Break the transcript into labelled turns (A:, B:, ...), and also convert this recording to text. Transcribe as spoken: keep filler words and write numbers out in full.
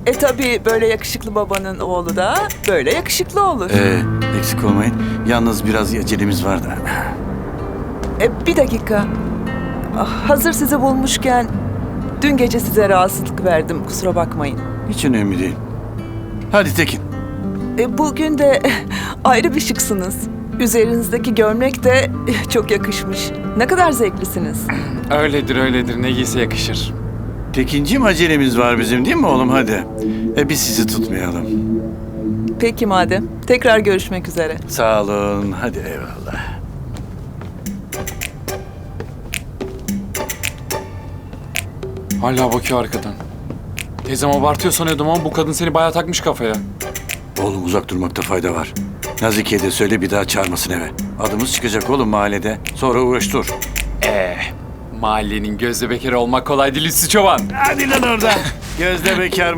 A: E tabii böyle yakışıklı babanın oğlu da böyle yakışıklı olur.
B: Ee, eksik olmayın. Yalnız biraz acelemiz var da.
A: E, bir dakika. Ah, hazır sizi bulmuşken dün gece size rahatsızlık verdim. Kusura bakmayın.
B: Hiç önemli değil. Hadi Tekin.
A: E, bugün de ayrı bir şıksınız. Üzerinizdeki gömlek de çok yakışmış. Ne kadar zevklisiniz.
C: Öyledir öyledir, ne giyse yakışır.
B: Tekinciğim acelemiz var bizim değil mi oğlum hadi. E biz sizi tutmayalım.
A: Peki madem. Tekrar görüşmek üzere.
B: Sağ olun. Hadi eyvallah.
C: Hala bakıyor arkadan. Teyzem abartıyor sanıyordum ama bu kadın seni bayağı takmış kafaya.
B: Oğlum uzak durmakta fayda var. Nazike'ye de söyle bir daha çağırmasın eve. Adımız çıkacak oğlum mahallede. Sonra uğraş dur.
C: Ee, mahallenin gözde bekarı olmak kolay değil Üstü Çoban.
B: Hadi lan oradan. Gözde bekar